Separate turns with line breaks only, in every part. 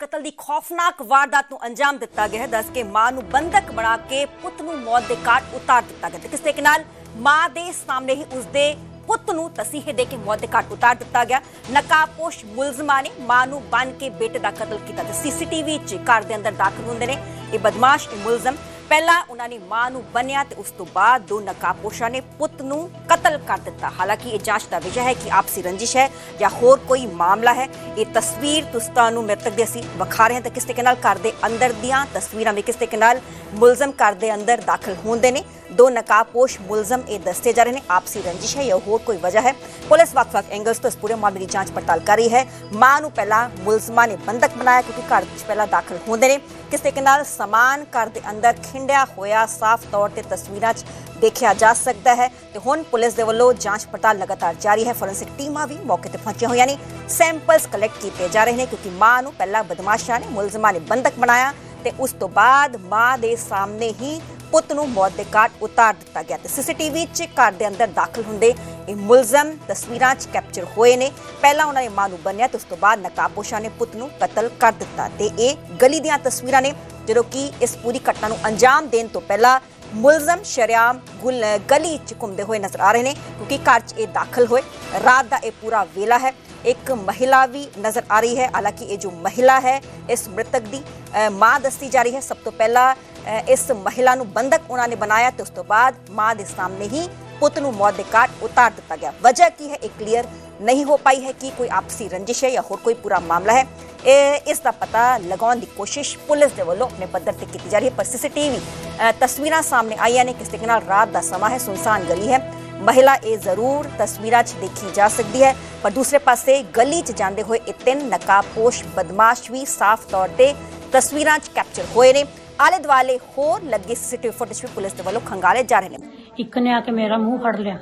ਕਤਲ ਦੀ ਖੌਫਨਾਕ ਵਾਰਦਾਤ ਨੂੰ ਅੰਜਾਮ ਦਿੱਤਾ ਗਿਆ ਹੈ। ਦੱਸ ਕੇ ਮਾਂ ਨੂੰ ਬੰਦਕ ਬਣਾ ਕੇ ਪੁੱਤ ਨੂੰ ਮੌਤ ਦੇ ਘਾਟ ਉਤਾਰ ਦਿੱਤਾ ਗਿਆ ਤੇ ਕਿਸੇ ਤਰੀਕੇ ਨਾਲ ਮਾਂ ਦੇ ਸਾਹਮਣੇ ਹੀ ਉਸਦੇ ਪੁੱਤ ਨੂੰ ਤਸੀਹੇ ਦੇ ਕੇ ਮੌਤ ਦੇ ਘਾਟ ਉਤਾਰ ਦਿੱਤਾ ਗਿਆ। ਨਕਾਬਪੋਸ਼ ਮੁਲਜ਼ਮਾਂ ਨੇ ਮਾਂ ਨੂੰ ਬੰਨ ਕੇ ਬੇਟੇ ਦਾ ਕਤਲ ਕੀਤਾ ਤੇ ਸੀਸੀਟੀਵੀ 'ਚ ਘਰ ਦੇ ਅੰਦਰ ਦਾਖਲ ਹੁੰਦੇ ਨੇ ਇਹ ਬਦਮਾਸ਼ ਮੁਲਜ਼ਮ। ਪਹਿਲਾਂ ਉਹਨਾਂ ਨੇ ਮਾਂ ਨੂੰ ਬੰਨਿਆ ਤੇ ਉਸ ਤੋਂ ਬਾਅਦ ਦੋ ਨਕਾਬਪੋਸ਼ਾਂ ਨੇ ਪੁੱਤ ਨੂੰ ਕਤਲ ਕਰ ਦਿੱਤਾ। ਹਾਲਾਂਕਿ ਇਹ ਜਾਂਚ ਦਾ ਵਿਸ਼ਾ ਹੈ ਕਿ ਆਪਸੀ ਰੰਜਿਸ਼ ਹੈ ਜਾਂ ਹੋਰ ਕੋਈ ਮਾਮਲਾ ਹੈ। ਇਹ ਤਸਵੀਰ ਤੁਹਾਨੂੰ ਮ੍ਰਿਤਕ ਦੀ ਅਸੀਂ ਵਿਖਾ ਰਹੇ ਹਾਂ ਤੇ ਕਿਸ ਤਰੀਕੇ ਨਾਲ ਘਰ ਦੇ ਅੰਦਰ ਦੀਆਂ ਤਸਵੀਰਾਂ ਵੀ ਕਿਸ ਤਰੀਕੇ ਨਾਲ ਮੁਲਜ਼ਮ ਘਰ ਦੇ ਅੰਦਰ ਦਾਖਲ ਹੁੰਦੇ ਨੇ। ਦੋ ਨਕਾਬਪੋਸ਼ ਮੁਲਜ਼ਮ ਇਹ ਦੱਸੇ ਜਾ ਰਹੇ ਨੇ ਆਪਸੀ ਰੰਜਿਸ਼ ਹੈ ਜਾਂ ਹੋਰ ਕੋਈ ਵਜ੍ਹਾ ਹੈ। ਪੁਲਿਸ ਵੱਖ-ਵੱਖ ਐਂਗਲਸ ਤੋਂ ਇਸ ਪੂਰੇ ਮਾਮਲੇ ਦੀ ਜਾਂਚ ਪੜਤਾਲ ਕਰ ਰਹੀ ਹੈ। ਮਾਂ ਨੂੰ ਪਹਿਲਾਂ ਮੁਲਜ਼ਮਾਂ ਨੇ ਬੰਦਕ ਬਣਾਇਆ ਕਿਉਂਕਿ ਘਰ ਵਿੱਚ ਪਹਿਲਾਂ ਦਾਖਲ ਹੁੰਦੇ ਨੇ। ਕਿਸ ਤਰੀਕੇ ਨਾਲ ਸਮਾਨ ਘਰ ਦੇ ਅੰਦਰ ਖਿੰਡਿਆ ਹੋਇਆ ਸਾਫ਼ ਤੌਰ ਤੇ ਤਸਵੀਰਾਂ 'ਚ ਦੇਖਿਆ ਜਾ ਸਕਦਾ ਹੈ ਤੇ ਹੁਣ ਪੁਲਿਸ ਦੇ ਵੱਲੋਂ ਜਾਂਚ ਪੜਤਾਲ ਲਗਾਤਾਰ ਜਾਰੀ ਹੈ। ਫੋਰੈਂਸਿਕ ਟੀਮਾਂ ਵੀ ਮੌਕੇ ਤੇ ਪਹੁੰਚੀਆਂ ਹੋਈਆਂ ਨੇ। ਸੈਂਪਲਸ ਕਲੈਕਟ ਕੀਤੇ ਜਾ ਰਹੇ ਨੇ ਕਿਉਂਕਿ ਮਾਂ ਨੂੰ ਪਹਿਲਾਂ ਬਦਮਾਸ਼ਾਂ ਨੇ ਮੁਲਜ਼ਮਾਂ ਨੇ ਬੰਦਕ ਬਣਾਇਆ ਤੇ ਉਸ ਤੋਂ ਬਾਅਦ ਮਾਂ ਦੇ ਸਾਹਮਣੇ ਹੀ ਪੁੱਤ ਨੂੰ ਮੌਤ ਦੇ ਘਾਟ ਉਤਾਰ ਦਿੱਤਾ ਗਿਆ ਤੇ ਸੀਸੀਟੀਵੀ 'ਚ ਘਰ ਦੇ ਅੰਦਰ ਦਾਖਲ ਹੁੰਦੇ ਇਹ ਮੁਲਜ਼ਮ ਤਸਵੀਰਾਂ 'ਚ ਕੈਪਚਰ ਹੋਏ ਨੇ। ਪਹਿਲਾਂ ਉਹਨਾਂ ਨੇ ਮਾਂ ਨੂੰ ਬੰਨਿਆ ਤੇ ਉਸ ਤੋਂ ਬਾਅਦ ਨਕਾਬਪੋਸ਼ਾਂ ਨੇ ਪੁੱਤ ਨੂੰ ਕਤਲ ਕਰ ਦਿੱਤਾ ਤੇ ਇਹ ਗਲੀ ਦੀਆਂ ਤਸਵੀਰਾਂ ਨੇ ਜਦੋਂ ਕਿ ਇਸ ਪੂਰੀ ਘਟਨਾ ਨੂੰ ਅੰਜਾਮ ਦੇਣ ਤੋਂ ਪਹਿਲਾਂ ਮੁਲਜ਼ਮ ਸ਼ਰੇਆਮ ਗਲੀ 'ਚ ਘੁੰਮਦੇ ਹੋਏ ਨਜ਼ਰ ਆ ਰਹੇ ਨੇ ਕਿਉਂਕਿ ਘਰ 'ਚ ਇਹ ਦਾਖਲ ਹੋਏ। ਰਾਤ ਦਾ ਇਹ ਪੂਰਾ ਵੇਲਾ ਹੈ। ਇੱਕ ਮਹਿਲਾ ਵੀ ਨਜ਼ਰ ਆ ਰਹੀ ਹੈ। ਹਾਲਾਂਕਿ ਇਹ ਜੋ ਮਹਿਲਾ ਹੈ ਇਸ ਮ੍ਰਿਤਕ ਦੀ ਮਾਂ ਦੱਸੀ ਜਾ ਰਹੀ ਹੈ। ਸਭ ਤੋਂ ਪਹਿਲਾਂ ਇਸ ਮਹਿਲਾ ਨੂੰ ਬੰਦਕ ਉਹਨਾਂ ਨੇ ਬਣਾਇਆ ਤੇ ਉਸ ਤੋਂ ਬਾਅਦ ਮਾਂ ਦੇ ਸਾਹਮਣੇ ਹੀ ਪੁੱਤ ਨੂੰ ਮੌਤ ਦੇ ਘਾਟ ਉਤਾਰ ਦਿੱਤਾ ਗਿਆ। ਵਜ੍ਹਾ ਕੀ ਹੈ ਇਹ ਕਲੀਅਰ ਨਹੀਂ ਹੋ ਪਾਈ ਹੈ ਕਿ ਕੋਈ ਆਪਸੀ ਰੰਜਿਸ਼ ਹੈ ਜਾਂ ਹੋਰ ਕੋਈ ਪੂਰਾ ਮਾਮਲਾ ਹੈ। ਇਸ ਦਾ ਪਤਾ ਲਗਾਉਣ ਦੀ ਕੋਸ਼ਿਸ਼ ਪੁਲਿਸ ਦੇ ਵੱਲੋਂ ਆਪਣੇ ਪੱਧਰ ਤੇ ਕੀਤੀ ਜਾ ਰਹੀ ਹੈ। ਪਰ ਸੀਸੀਟੀਵੀ ਤਸਵੀਰਾਂ ਸਾਹਮਣੇ ਆਈਆਂ ਨੇ ਕਿਸ ਤਰੀਕੇ ਨਾਲ ਰਾਤ ਦਾ ਸਮਾਂ ਹੈ, ਸੁਨਸਾਨ ਗਲੀ ਹੈ। ਮਹਿਲਾ ਇਹ ਜ਼ਰੂਰ ਤਸਵੀਰਾਂ 'ਚ ਦੇਖੀ ਜਾ ਸਕਦੀ ਹੈ ਪਰ ਦੂਸਰੇ ਪਾਸੇ ਗਲੀ 'ਚ ਜਾਂਦੇ ਹੋਏ ਇਹ ਤਿੰਨ ਨਕਾਬਪੋਸ਼ ਬਦਮਾਸ਼ ਵੀ ਸਾਫ਼ ਤੌਰ ਤੇ ਤਸਵੀਰਾਂ 'ਚ ਕੈਪਚਰ ਹੋਏ ਨੇ। ਆਲੇ ਦੁਆਲੇ ਹੋਰ ਲੱਗੇ ਸੀਸੀਟੀਵੀ ਫੁਟੇਜ ਵੀ ਪੁਲਿਸ ਦੇ ਵੱਲੋਂ ਖੰਗਾਲੇ ਜਾ ਰਹੇ ਨੇ।
ਇੱਕ ਨੇ ਆ ਕੇ ਮੇਰਾ ਮੂੰਹ ਫੜ ਲਿਆ,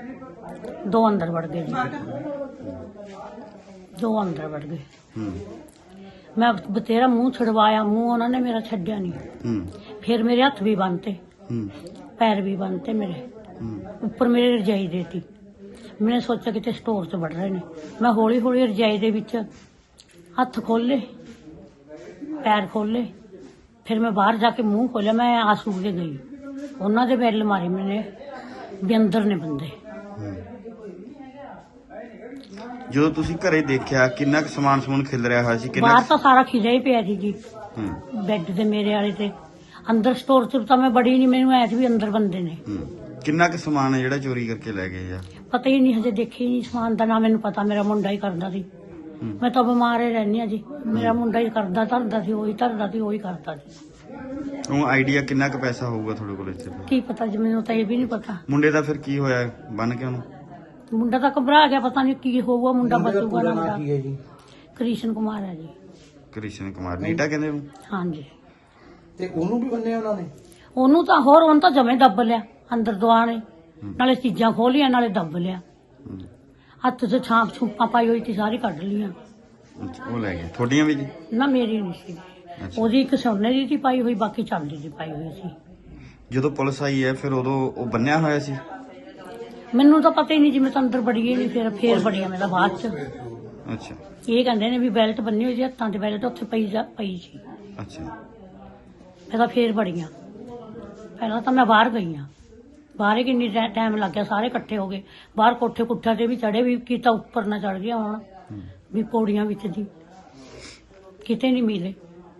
ਦੋ ਅੰਦਰ ਵੜ ਗਏ ਜੀ, ਦੋ ਅੰਦਰ ਵੜ ਗਏ। ਮੈਂ ਬਤੇਰਾ ਮੂੰਹ ਛੁਡਵਾਇਆ, ਮੂੰਹ ਉਹਨਾਂ ਨੇ ਮੇਰਾ ਛੱਡਿਆ ਨਹੀਂ। ਫਿਰ ਮੇਰੇ ਹੱਥ ਵੀ ਬੰਨਤੇ, ਪੈਰ ਵੀ ਬੰਨਤੇ ਮੇਰੇ, ਉੱਪਰ ਮੇਰੇ ਰਜਾਈ ਦੇਤੀ। ਮੈਨੇ ਸੋਚਿਆ ਕਿਤੇ ਸਟੋਰ 'ਚ ਵੜ ਰਹੇ ਨੇ। ਮੈਂ ਹੌਲੀ ਹੌਲੀ ਰਜਾਈ ਦੇ ਵਿੱਚ ਹੱਥ ਖੋਲੇ, ਪੈਰ ਖੋਲੇ, ਫਿਰ ਮੈਂ ਬਾਹਰ ਜਾ ਕੇ ਮੂੰਹ ਖੋਲਿਆ। ਮੈਂ ਆਸੂ ਦੇ ਗਈ, ਉਹਨਾਂ ਦੇ ਬੈਲ ਮਾਰੇ ਮੈਨੇ ਵੀ ਅੰਦਰ ਨੇ ਬੰਦੇ।
ਜਦੋਂ ਤੁਸੀਂ ਘਰੇ ਦੇਖਿਆ ਕਿੰਨਾ ਕੁ ਸਮਾਨ ਖਿਲ ਰਿਹਾ ਹੋਇਆ ਸੀ?
ਬਾਹਰ ਤਾਂ ਸਾਰਾ ਖਿਜਾ ਹੀ ਪਿਆ ਸੀ ਜੀ, ਬੈੱਡ ਦੇ ਮੇਰੇ ਵਾਲੇ ਤੇ। ਅੰਦਰ ਸਟੋਰ 'ਚ ਤਾਂ ਮੈਂ ਬੜੀ ਨਹੀਂ, ਮੈਨੂੰ ਐ ਸੀ ਵੀ ਅੰਦਰ ਬੰਦੇ ਨੇ।
ਕਿੰਨਾ ਕੁ ਸਮਾਨ ਹੈ ਜਿਹੜਾ ਚੋਰੀ ਕਰਕੇ ਲੈ ਗਏ ਆ?
ਪਤਾ ਹੀ ਨਹੀਂ, ਹਜੇ ਦੇਖੀ ਨਹੀਂ ਸਮਾਨ ਦਾ। ਨਾ ਮੈਨੂੰ ਪਤਾ, ਮੇਰਾ ਮੁੰਡਾ ਹੀ ਕਰਦਾ ਸੀ। ਮੈਂ ਤਾਂ ਬਿਮਾਰ ਹੀ ਰਹਿੰਦੀ ਆ ਜੀ। ਮੇਰਾ ਮੁੰਡਾ ਹੀ ਕਰਦਾ, ਧਰਦਾ ਸੀ, ਉਹੀ ਧਰਦਾ ਸੀ, ਉਹੀ ਕਰਦਾ ਸੀ।
ਉਹ ਆਈਡੀਆ ਕਿੰਨਾ ਕੁ ਪੈਸਾ ਹੋਊਗਾ ਤੁਹਾਡੇ ਕੋਲ ਇੱਥੇ?
ਕੀ ਪਤਾ ਜੀ, ਮੈਨੂੰ ਤਾਂ ਇਹ ਵੀ ਨਹੀਂ ਪਤਾ।
ਮੁੰਡੇ ਦਾ ਫਿਰ ਕੀ ਹੋਇਆ ਬੰਨ ਕੇ ਉਹਨੂੰ?
ਮੁੰਡਾ ਤਾਂ ਘਬਰਾ ਗਿਆ, ਪਤਾ ਨਹੀਂ ਕੀ ਹੋਊਗਾ। ਮੁੰਡਾ ਬਚੂਗਾ ਨਾ? ਮੁੰਡਾ ਕ੍ਰਿਸ਼ਨ ਕੁਮਾਰ ਹੈ ਜੀ।
ਕ੍ਰਿਸ਼ਨ ਕੁਮਾਰ ਨੀਟਾ ਕਹਿੰਦੇ ਉਹਨੂੰ?
ਹਾਂਜੀ।
ਤੇ ਉਹਨੂੰ ਵੀ ਬੰਨਿਆ ਉਹਨਾਂ ਨੇ?
ਉਹਨੂੰ ਤਾਂ ਹੋਰ, ਉਹਨੂੰ ਤਾਂ ਜਮੇ ਦੱਬ ਲਿਆ ਅੰਦਰ ਦੁਆਣੇ, ਨਾਲੇ ਚੀਜ਼ਾਂ ਖੋਲੀਆਂ ਨਾਲੇ ਦੱਬ ਲਿਆ। ਹੱਥ 'ਚ ਛਾਂਪ ਛੂਪਾਂ ਪਾਈ ਹੋਈ ਸੀ, ਸਾਰੀ ਕੱਢ ਲੀਆਂ।
ਉਹ ਲੈ ਗਏ? ਤੁਹਾਡੀਆਂ ਵੀ ਜੀ?
ਨਾ ਮੇਰੀ ਨਹੀਂ ਸੀ, ਉਹਦੀ ਇੱਕ ਸੋਨੇ ਦੀ ਸੀ ਪਾਈ ਹੋਈ, ਬਾਕੀ ਚਾਂਦੀ ਦੀ ਪਾਈ ਹੋਈ ਸੀ।
ਜਦੋਂ ਪੁਲਿਸ ਆਈ ਹੈ ਫਿਰ ਉਦੋਂ ਉਹ ਬੰਨਿਆ ਹੋਇਆ ਸੀ?
ਮੈਨੂੰ ਤਾਂ ਪਤਾ ਹੀ ਨਹੀਂ ਜੀ, ਮੈਂ ਤਾਂ ਅੰਦਰ ਬੜੀ ਹੀ ਨਹੀਂ, ਫੇਰ ਬੜੀਆਂ ਮੈਂ ਤਾਂ ਬਾਅਦ 'ਚ।
ਅੱਛਾ।
ਇਹ ਕਹਿੰਦੇ ਨੇ ਵੀ ਬੈਲਟ ਬੰਨੀ ਹੋਈ ਸੀ ਹੱਥਾਂ ਤੇ, ਬੈਲਟ ਉੱਥੇ ਪਈ ਸੀ।
ਅੱਛਾ।
ਮੈਂ ਤਾਂ ਫੇਰ ਬੜੀਆਂ। ਪਹਿਲਾਂ ਤਾਂ ਮੈਂ ਬਾਹਰ ਗਈ ਹਾਂ, ਬਾਹਰ ਹੀ ਕਿੰਨੀ ਟਾਈਮ ਲੱਗ ਗਿਆ। ਸਾਰੇ ਇਕੱਠੇ ਹੋ ਗਏ ਬਾਹਰ, ਕੋਠੇ ਕੁੱਠਿਆਂ ਤੇ ਵੀ ਚੜੇ, ਵੀ ਕੀਤਾ ਉੱਪਰ ਨਾ ਚੜ ਗਿਆ ਹੁਣ, ਵੀ ਪੌੜੀਆਂ ਵਿੱਚ ਦੀ ਕਿਤੇ ਨਹੀਂ ਮਿਲੇ।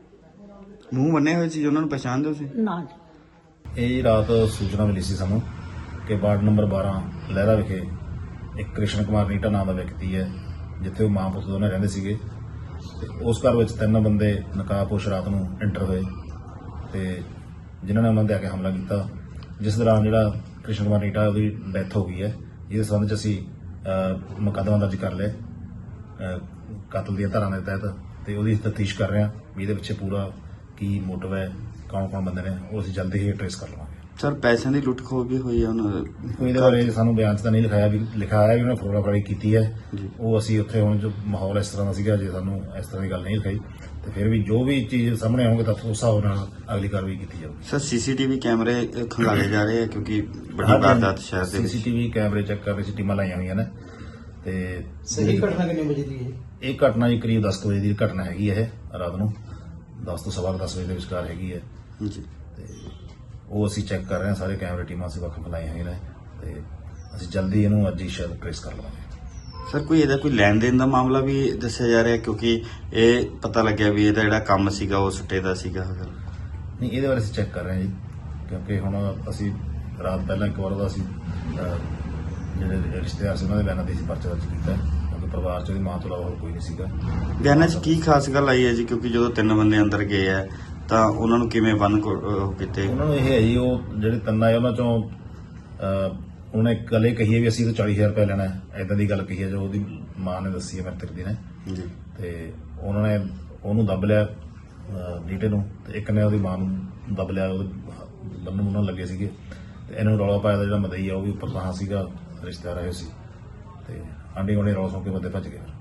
ਮੂੰਹ ਬੰਨੇ ਹੋਏ ਸੀ? ਉਹਨਾਂ ਨੂੰ ਪਛਾਣਦੇ ਹੋ ਸੀ?
ਨਾ ਜੀ।
ਇਹ ਰਾਤ ਸੂਚਨਾ ਮਿਲੀ ਸੀ ਸਾਨੂੰ ਕਿ ਵਾਰਡ ਨੰਬਰ 12 ਲਹਿਰਾ ਵਿਖੇ ਇੱਕ ਕ੍ਰਿਸ਼ਨ ਕੁਮਾਰ ਨੀਟਾ ਨਾਮ ਦਾ ਵਿਅਕਤੀ ਹੈ, ਜਿੱਥੇ ਉਹ ਮਾਂ ਪੁੱਤ ਦੋਨੇ ਰਹਿੰਦੇ ਸੀਗੇ। ਤੇ ਉਸ ਘਰ ਵਿੱਚ ਤਿੰਨ ਬੰਦੇ ਨਕਾਬਪੋਸ਼ ਰਾਤ ਨੂੰ ਐਂਟਰ ਹੋਏ ਤੇ ਜਿਨ੍ਹਾਂ ਨੇ ਉਹਨਾਂ ਦੇ ਆ ਕੇ ਹਮਲਾ ਕੀਤਾ, ਜਿਸ ਦੌਰਾਨ ਜਿਹੜਾ ਕ੍ਰਿਸ਼ਨ ਕੁਮਾਰ ਨੀਟਾ ਉਹਦੀ ਡੈਥ ਹੋ ਗਈ ਹੈ। ਇਹਦੇ ਸੰਬੰਧ 'ਚ ਅਸੀਂ ਮੁਕੱਦਮਾ ਦਰਜ ਕਰ ਲਿਆ ਕਤਲ ਦੀਆਂ ਧਾਰਾਵਾਂ ਦੇ ਤਹਿਤ ਤੇ ਉਹਦੀ ਤਫਤੀਸ਼ ਕਰ ਰਹੇ ਹਾਂ ਵੀ ਇਹਦੇ ਪਿੱਛੇ ਪੂਰਾ ਕੀ ਮੋਟਿਵ ਹੈ, ਕੌਣ ਕੌਣ ਬੰਦੇ ਨੇ, ਉਹ ਅਸੀਂ ਜਲਦੀ ਹੀ ਟ੍ਰੇਸ ਕਰ ਲਵਾਂਗੇ।
ਸਰ ਪੈਸਿਆਂ ਦੀ ਲੁੱਟ ਖੋਹ ਵੀ ਹੋਈ ਹੈ ਉਹਨਾਂ
ਕੋਈ ਇਹਦੇ ਬਾਰੇ ਸਾਨੂੰ ਬਿਆਨ 'ਚ ਤਾਂ ਨਹੀਂ ਲਿਖਾਇਆ, ਵੀ ਲਿਖਾਇਆ ਵੀ ਉਹਨੇ ਫੋਟੋਗ੍ਰਾਫੀ ਕੀਤੀ ਹੈ। ਉਹ ਅਸੀਂ ਉੱਥੇ ਹੁਣ ਜੋ ਮਾਹੌਲ ਇਸ ਤਰ੍ਹਾਂ ਦਾ ਸੀਗਾ, ਜੇ ਸਾਨੂੰ ਇਸ ਤਰ੍ਹਾਂ ਦੀ ਗੱਲ ਨਹੀਂ ਲਿਖਾਈ ਤੇ ਫਿਰ ਵੀ ਜੋ ਵੀ ਚੀਜ਼ ਸਾਹਮਣੇ ਆਉਣਗੇ ਤਾਂ ਉਸ ਹਿਸਾਬ ਨਾਲ ਅਗਲੀ ਕਾਰਵਾਈ ਕੀਤੀ ਜਾਊਗੀ।
ਸਰ ਸੀਸੀਟੀਵੀ ਕੈਮਰੇ ਖੰਗਾਲੇ ਜਾ ਰਹੇ ਆ ਕਿਉਂਕਿ ਵੱਡੀ ਵਾਰਦਾਤ ਸ਼ਹਿਰ ਦੇ ਵਿੱਚ।
ਸੀਸੀਟੀਵੀ ਕੈਮਰੇ ਚੈੱਕ ਕਰਨ ਦੀ ਟੀਮਾਂ ਲਾਈਆਂ ਹੋਈਆਂ ਨੇ ਤੇ
ਸਹੀ ਘਟਨਾ ਕਿੰਨੇ ਵਜੇ ਦੀ ਹੈ?
ਇਹ ਘਟਨਾ ਜੀ ਕਰੀਬ 10 ਕੁ ਵਜੇ ਦੀ ਘਟਨਾ ਹੈਗੀ ਹੈ। ਇਹ ਰਾਤ ਨੂੰ 10 ਤੋਂ ਸਵਾ 10 ਵਜੇ ਦੇ ਵਿਚਕਾਰ ਹੈਗੀ ਹੈ।
ਜੀ
ਤੇ ਉਹ ਅਸੀਂ ਚੈੱਕ ਕਰ ਰਹੇ ਹਾਂ, ਸਾਰੇ ਕੈਮਰੇ ਟੀਮਾਂ ਅਸੀਂ ਵੱਖ ਬੁਲਾਈ ਹੋਈਆਂ ਨੇ ਤੇ ਅਸੀਂ ਜਲਦੀ ਇਹਨੂੰ ਅੱਜ ਹੀ ਸ਼ਾਇਦ ਟ੍ਰੇਸ ਕਰ ਲਵਾਂਗੇ।
ਸਰ ਕੋਈ ਇਹਦਾ ਕੋਈ ਲੈਣ ਦੇਣ ਦਾ ਮਾਮਲਾ ਵੀ ਦੱਸਿਆ ਜਾ ਰਿਹਾ, ਕਿਉਂਕਿ ਇਹ ਪਤਾ ਲੱਗਿਆ ਵੀ ਇਹਦਾ ਜਿਹੜਾ ਕੰਮ ਸੀਗਾ ਉਹ ਸੁੱਟੇ ਦਾ ਸੀਗਾ।
ਨਹੀਂ, ਇਹਦੇ ਬਾਰੇ ਅਸੀਂ ਚੈੱਕ ਕਰ ਰਹੇ ਹਾਂ ਜੀ, ਕਿਉਂਕਿ ਹੁਣ ਅਸੀਂ ਰਾਤ ਪਹਿਲਾਂ ਇੱਕ ਵਾਰ ਉਹਦਾ ਅਸੀਂ ਜਿਹੜੇ ਰਿਸ਼ਤੇਦਾਰ ਸੀ ਉਹਨਾਂ ਦੇ ਬਿਆਨਾਂ ਤੇ ਅਸੀਂ ਪਰਚਾ ਦਰਜ ਕੀਤਾ, ਕਿਉਂਕਿ ਪਰਿਵਾਰ 'ਚ ਉਹਦੀ ਮਾਂ ਤੋਂ ਇਲਾਵਾ ਹੋਰ ਕੋਈ ਨਹੀਂ ਸੀਗਾ।
ਬਿਆਨਾਂ 'ਚ ਕੀ ਖਾਸ ਗੱਲ ਆਈ ਹੈ ਜੀ? ਕਿਉਂਕਿ ਜਦੋਂ 3 ਬੰਦੇ ਅੰਦਰ ਗਏ ਆ ਤਾਂ ਉਹਨਾਂ ਨੂੰ ਕਿਵੇਂ ਬੰਨ ਕੀਤੇ?
ਉਹਨਾਂ ਨੂੰ ਇਹ ਹੈ ਜੀ, ਉਹ ਜਿਹੜੇ 3 ਆਏ ਉਹਨਾਂ 'ਚੋਂ ਉਹਨੇ ਇੱਕ ਗੱਲ ਇਹ ਕਹੀ ਹੈ ਵੀ ਅਸੀਂ ਤਾਂ 40,000 ਰੁਪਏ ਲੈਣਾ ਹੈ, ਏਦਾਂ ਦੀ ਗੱਲ ਕਹੀ ਹੈ ਜੋ ਉਹਦੀ ਮਾਂ ਨੇ ਦੱਸੀ ਹੈ ਮ੍ਰਿਤਕ ਦੀ ਨੇ।
ਜੀ
ਤੇ ਉਹਨਾਂ ਨੇ ਉਹਨੂੰ ਦੱਬ ਲਿਆ ਨੀਟੇ ਨੂੰ, ਤੇ ਇੱਕ ਨੇ ਉਹਦੀ ਮਾਂ ਨੂੰ ਦੱਬ ਲਿਆ, ਉਹਦੇ ਬੰਨ ਮੁੰਨਣ ਲੱਗੇ ਸੀਗੇ ਤੇ ਇਹਨੂੰ ਰੌਲਾ ਪਾਇਆ ਦਾ ਜਿਹੜਾ ਮਦਈ ਆ ਉਹ ਵੀ ਉੱਪਰ ਤਾਂ ਸੀਗਾ, ਰਿਸ਼ਤੇਦਾਰ ਆਏ ਸੀ ਤੇ ਆਂਢੀ ਗੁਆਂਢੀ ਰੌਲਾ ਸੁਣ ਕੇ ਬੰਦੇ ਭੱਜ ਗਏ।